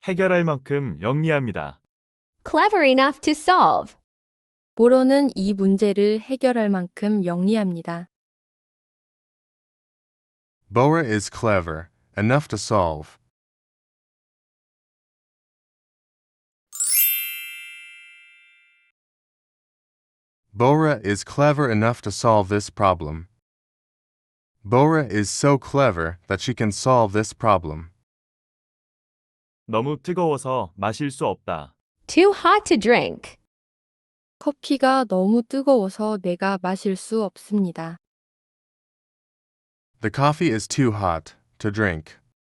해결할 만큼 영리합니다. Clever enough to solve. 보로는 이 문제를 해결할 만큼 영리합니다. Bora is clever enough to solve. Bora is clever enough to solve this problem. Bora is so clever that she can solve this problem. 너무 뜨거워서 마실 수 없다. Too hot to drink. 커피가 너무 뜨거워서 내가 마실 수 없습니다. The coffee is too hot to drink.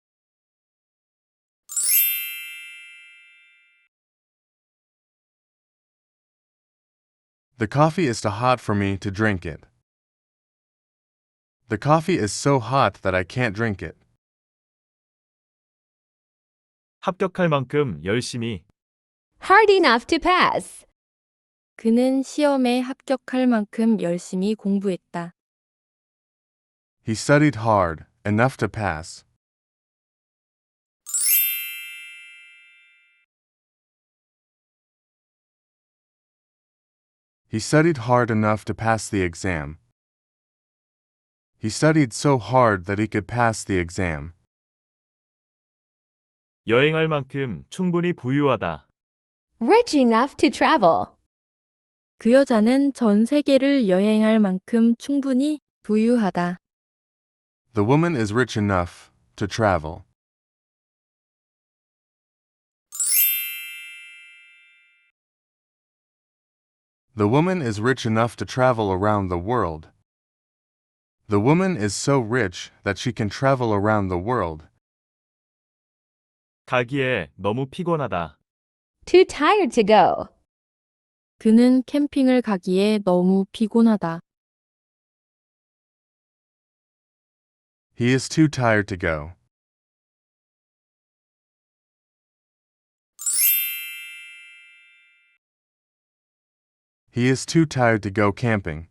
The coffee is too hot for me to drink it. The coffee is so hot that I can't drink it. 합격할 만큼 열심히. Hard enough to pass. 그는 시험에 합격할 만큼 열심히 공부했다. He studied hard enough to pass. He studied hard enough to pass the exam. He studied so hard that he could pass the exam. 여행할 만큼 충분히 부유하다. Rich enough to travel. 그 여자는 전 세계를 여행할 만큼 충분히 부유하다. The woman is rich enough to travel. The woman is rich enough to travel around the world. The woman is so rich that she can travel around the world. 가기에 너무 피곤하다. Too tired to go. 그는 캠핑을 가기에 너무 피곤하다. He is too tired to go. He is too tired to go camping.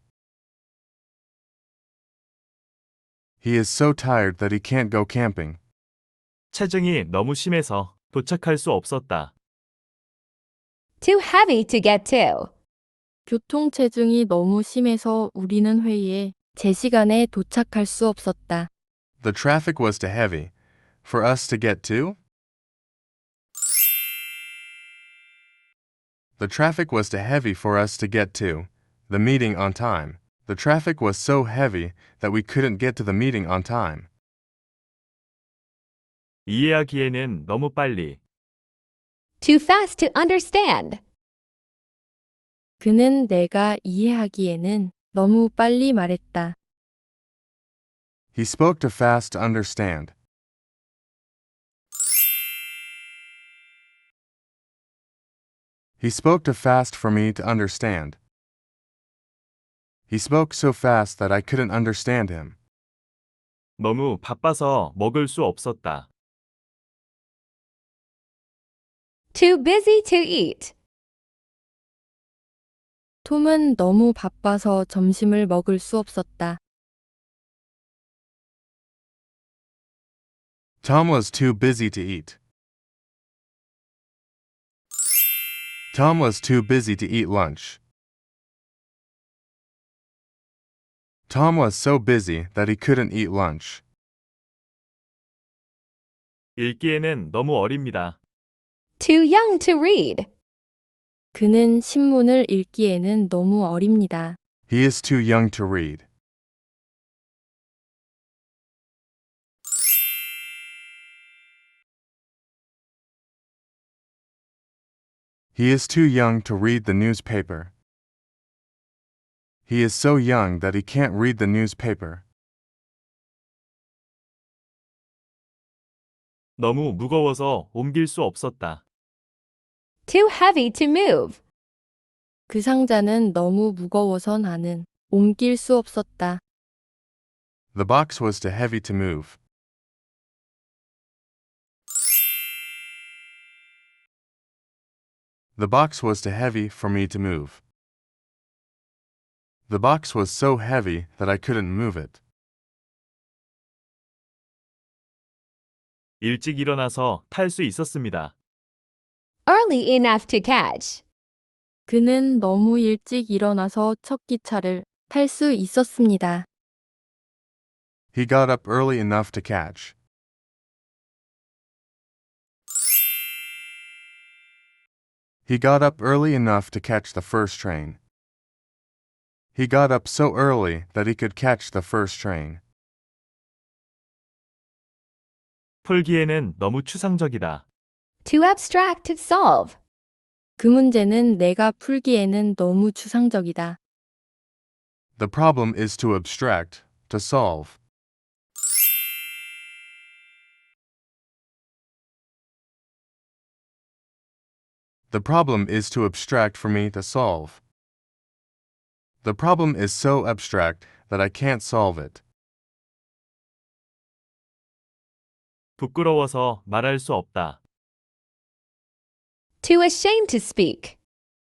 He is so tired that he can't go camping. 체증이 너무 심해서 도착할 수 없었다. Too heavy to get to. 교통체증이 너무 심해서 우리는 회의에 제 시간에 도착할 수 없었다. The traffic was too heavy for us to get to. The traffic was too heavy for us to get to the meeting on time. The traffic was so heavy that we couldn't get to the meeting on time. 이해하기에는 너무 빨리. Too fast to understand. 그는 내가 이해하기에는 너무 빨리 말했다. He spoke too fast to understand. He spoke too fast for me to understand. He spoke so fast that I couldn't understand him. 너무 바빠서 먹을 수 없었다. Too busy to eat. 톰은 너무 바빠서 점심을 먹을 수 없었다. Tom was too busy to eat. Tom was too busy to eat lunch. Tom was so busy that he couldn't eat lunch. 읽기에는 너무 어립니다. Too young to read. 그는 신문을 읽기에는 너무 어립니다. He is too young to read. He is too young to read the newspaper. He is so young that he can't read the newspaper. 너무 무거워서 옮길 수 없었다. Too heavy to move. 그 상자는 너무 무거워서 나는 옮길 수 없었다. The box was too heavy to move. The box was too heavy for me to move. The box was so heavy that I couldn't move it. 일찍 일어나서 탈 수 있었습니다. early enough to catch. 그는 너무 일찍 일어나서 첫 기차를 탈 수 있었습니다. He got up early enough to catch. He got up early enough to catch the first train. He got up so early that he could catch the first train. 풀기에는 너무 추상적이다. Too abstract to solve. 그 문제는 내가 풀기에는 너무 추상적이다. The problem is too abstract to solve. The problem is too abstract for me to solve. The problem is so abstract that I can't solve it. 부끄러워서 말할 수 없다. Too ashamed to speak.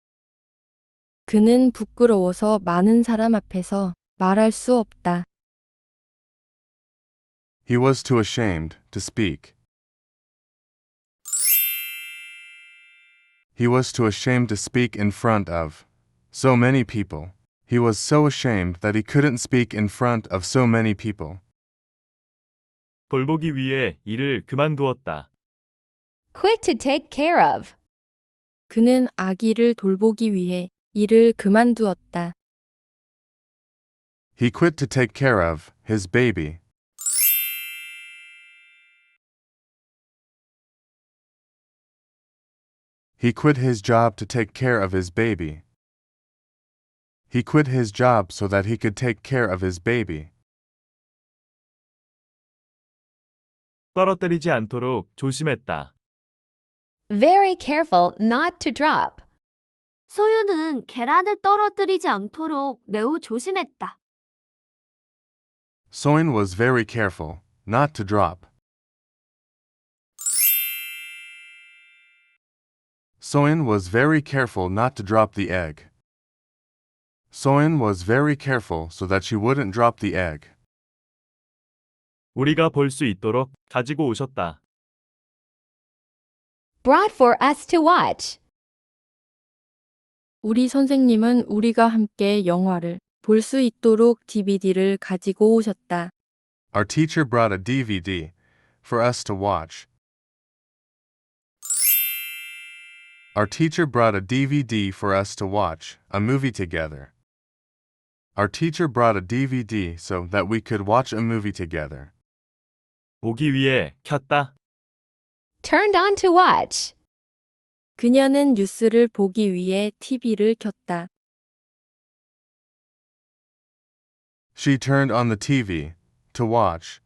그는 부끄러워서 많은 사람 앞에서 말할 수 없다. He was too ashamed to speak. He was too ashamed to speak in front of so many people. He was so ashamed that he couldn't speak in front of so many people. 돌보기 위해 일을 그만두었다. Quit to take care of. 그는 아기를 돌보기 위해 일을 그만두었다. He quit to take care of his baby. He quit his job to take care of his baby. He quit his job so that he could take care of his baby. 떨어뜨리지 않도록 조심했다. Very careful not to drop. 소유는 계란을 떨어뜨리지 않도록 매우 조심했다. Soin was very careful not to drop. Soin was very careful not to drop the egg. Soin was very careful so that she wouldn't drop the egg. 우리가 볼 수 있도록 가지고 오셨다. Brought for us to watch. 우리 선생님은 우리가 함께 영화를 볼 수 있도록 DVD를 가지고 오셨다. Our teacher brought a DVD for us to watch. Our teacher brought a DVD for us to watch a movie together. Our teacher brought a DVD so that we could watch a movie together. 보기 위해 켰다. Turned on to watch. 그녀는 뉴스를 보기 위해 TV를 켰다. She turned on the TV to watch.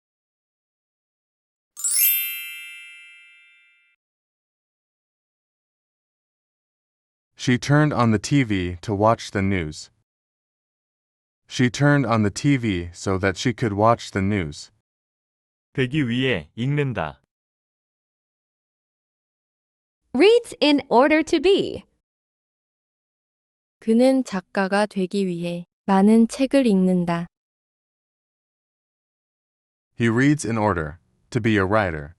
She turned on the TV to watch the news. She turned on the TV so that she could watch the news. 되기 위해 읽는다. Reads in order to be. 그는 작가가 되기 위해 많은 책을 읽는다. He reads in order to be a writer.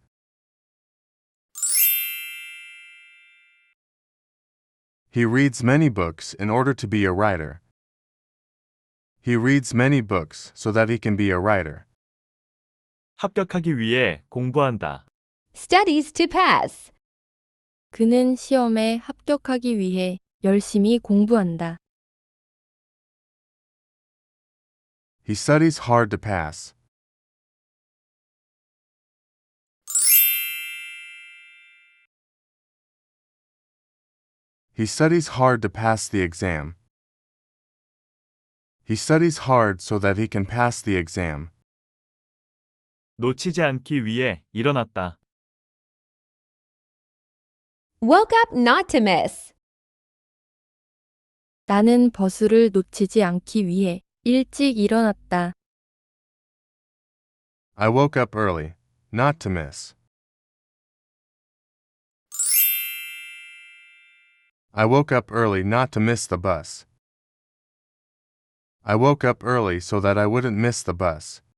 He reads many books in order to be a writer. He reads many books so that he can be a writer. 합격하기 위해 공부한다. Studies to pass. 그는 시험에 합격하기 위해 열심히 공부한다. He studies hard to pass. He studies hard to pass the exam. He studies hard so that he can pass the exam. 놓치지 않기 위해 일어났다. Woke up not to miss. 나는 버스를 놓치지 않기 위해 일찍 일어났다. I woke up early, not to miss. I woke up early not to miss the bus. I woke up early so that I wouldn't miss the bus.